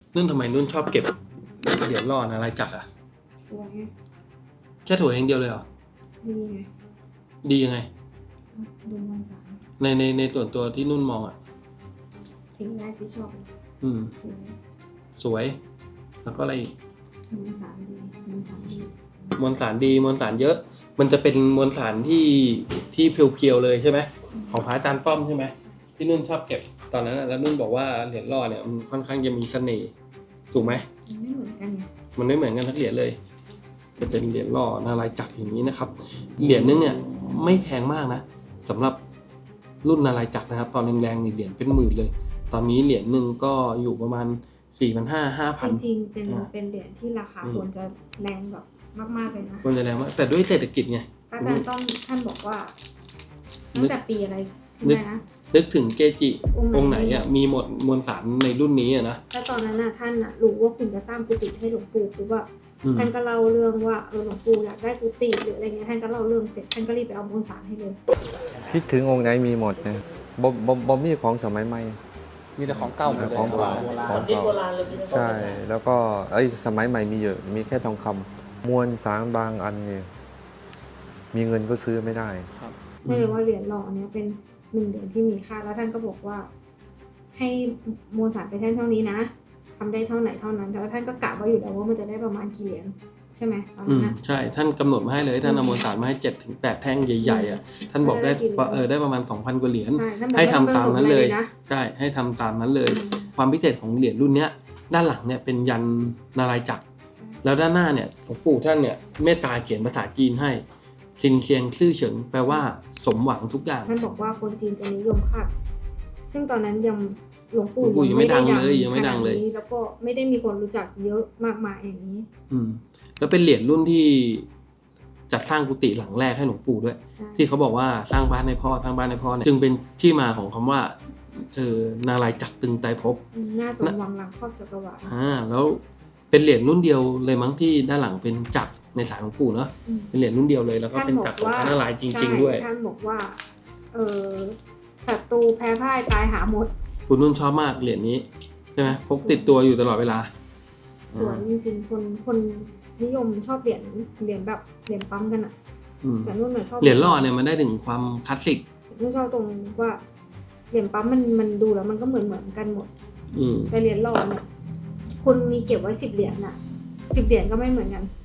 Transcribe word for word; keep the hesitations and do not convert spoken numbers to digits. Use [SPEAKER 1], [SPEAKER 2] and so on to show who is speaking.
[SPEAKER 1] นุ่นทำไมนุ่นชอบเก็บเหรียญหล่ออะไรจักรอ่ะ
[SPEAKER 2] สวยไง
[SPEAKER 1] แค่ถั่วอย่างเดียวเลยเหรอ
[SPEAKER 2] ดีไง
[SPEAKER 1] ดียังไง
[SPEAKER 2] ดูมวลสาร
[SPEAKER 1] ในในในส่วนตัวที่นุ่นมองอ่ะ
[SPEAKER 2] สิ่งแรกที่ชอบ
[SPEAKER 1] อืม
[SPEAKER 2] สวย
[SPEAKER 1] สวย แล้วก็อะไรอีก
[SPEAKER 2] มวลสารดีมวลสารดี
[SPEAKER 1] มวลสารดีมวลสารเยอะ มันจะเป็นมวลสารที่ที่เพียวๆเลยใช่ไหมของพระอาจารย์ป้อมใช่ไหมที่นุ่นชอบเก็บตอนนั้นน่ะแล้วนุ่นบอกว่าเหรียญหล่อเนี่ยมันค่อนข้างจะมีเสน่ห์ถูกไหม
[SPEAKER 2] มันไม่เหมือนกันไง
[SPEAKER 1] มันไม่เหมือนกันทั้งเหรียญเลย จะเป็นเหรียญหล่อนารายณ์จักรอย่างนี้นะครับ เหรียญนึงเนี่ยไม่แพงมากนะสำหรับรุ่นนารายณ์จักรนะครับ ตอนแรงๆเหรียญเป็นหมื่นเลย ตอนนี้เหรียญหนึ่งก็อยู่ประมาณ สี่พันห้าร้อย ห้าพัน
[SPEAKER 2] จริงๆเป็นเป็นเหรียญที่ราคาควรจะแรงแบบมากๆเลยนะ
[SPEAKER 1] ควรจะแรงมากแต่ด้วยเศรษฐกิจไง
[SPEAKER 2] อาจารย์ต้องท่านบอกว่าตั้งแต่ปีอะไรใช่ไหมนะ
[SPEAKER 1] นึกถึงเกจิ
[SPEAKER 2] องค์ไหน
[SPEAKER 1] องค์ไหนอ่ะมีหมดมวลสารในรุ่นนี้อ่ะนะ
[SPEAKER 2] แล้วตอนนั้นน่ะท่านน่ะรู้ว่าคุณจะสร้างกุฏิให้หลวงปู่คือว่า
[SPEAKER 1] อืม
[SPEAKER 2] ท่านก็เล่าเรื่องว่าเออหลวงปู่อยากได้กุฏิหรืออะไรเงี้ยท่านก็เล่าเรื่องเสร็จท่านก็รีบไปเอามวลสารให้เลย
[SPEAKER 3] คิดถึงองค์ไหนมีหมดนะบ่บ่บ่มีของสมัยใหม่
[SPEAKER 1] มีแต่ของเก่าหมดเลย
[SPEAKER 3] ของเก่าของเก่าใช่แล้วก็ไอ้สมัยใหม่มีเยอะมีแค่ทองคำมวลสารบางอันเนี่ยมีเงินก็ซื้อไม่ได้
[SPEAKER 2] ไม่เลยว่าเหรียญหล่อเนี้ยเป็นหนึ่งเหรียญที่มีค่าแล้วท่านก็บอกว่า ให้มวลสารไปแท่นเท่านี้นะทำได้เท่าไหนเท่านั้นแต่ว่าท่านก็กะไว้อยู่แล้วว่ามันจะได้ประมาณกี่เหรียญใช่ไหมตอน
[SPEAKER 1] อื
[SPEAKER 2] นั้น
[SPEAKER 1] ม
[SPEAKER 2] นะ
[SPEAKER 1] ใช่ท่านกำหนดมาให้เลยท่านเอามวลสารมาให้เจ็ดถึงแปดแท่งใหญ่ๆอ่ะท่านบอกได้
[SPEAKER 2] ได้กี่เหรียญ
[SPEAKER 1] เออได้ประมาณ สองพัน กว่าเหรียญ
[SPEAKER 2] ใช่ท่านบอก
[SPEAKER 1] ให้
[SPEAKER 2] ว่า
[SPEAKER 1] ทำตามนั้นเลย
[SPEAKER 2] ต้องประสบอะไรนะ
[SPEAKER 1] ใช่ให้ทำตามนั้นเลย
[SPEAKER 2] อืม
[SPEAKER 1] ความพิเศษของเหรียญรุ่นเนี้ยด้านหลังเนี่ยเป็นยันนารายณ์จักรแล้วด้านหน้าเนี่ยหลวงปู่ท่านเนี่ยเมตตาเขียนภาษาจีนให้ซินเซียงซื่อเฉิงแปลว่าสมหวังทุกอย่าง
[SPEAKER 2] ท่านบอกว่าคนจีนจะนิยมคาดซึ่งตอนนั้นยังหลวงปู่
[SPEAKER 1] หลวงปู่ยังไม่ดังเลยยังไม่ดังเลย
[SPEAKER 2] ขนานี้แล้วก็ไม่ได้มีคนรู้จักเยอะมากมายอย่างนี้
[SPEAKER 1] อืมแล้วเป็นเหรียญรุ่นที่จัดสร้างกุฏิหลังแรกให้หลวงปู่ด้วย
[SPEAKER 2] ใช่
[SPEAKER 1] ที่เขาบอกว่าสร้างบ้านให้พ่อสร้างบ้านให้พ่อเนี่ยจึงเป็นที่มาของคำว่าเออนารายณ์จักรตึงไตรภพ
[SPEAKER 2] หน้าสมวังหลังครอบจักรวาล
[SPEAKER 1] อ่าแล้วเป็นเหรียญรุ่นเดียวเลยมั้งที่ด้านหลังเป็นจักรในสายหลวงปู่เนาะ
[SPEAKER 2] อืม
[SPEAKER 1] เป็นเหรียญรุ่นเดียวเลยแล้วก็เป็นจักรของพระนารายณ์จริง ๆ ด้วย
[SPEAKER 2] ใช่ท่านบอกว่า เออศัตรูแพ้พ่ายตายหาหมด
[SPEAKER 1] คุณนุ่นชอบมากเหรียญนี้ใช่ไหมพกติดตัวอยู่ตลอดเวลา
[SPEAKER 2] สวยจริงๆคนคนนิยมชอบเหรียญเหรียญแบบเหรียญปั๊มกันอะ
[SPEAKER 1] อืม
[SPEAKER 2] แต่นุ่นน่ะชอบ
[SPEAKER 1] เหรียญหล่อเนี่ยมันได้ถึงความคลาสสิก
[SPEAKER 2] นุ่นชอบตรงว่าเหรียญปั๊มมันมันดูแล้วมันก็เหมือนเหมือนกันหมด
[SPEAKER 1] อืม
[SPEAKER 2] แต่เหรียญหล่อเนี่ยคุณมีเก็บไว้สิบเหรียญน่ะสิบเหรียญก็ไม่เหมือนกัน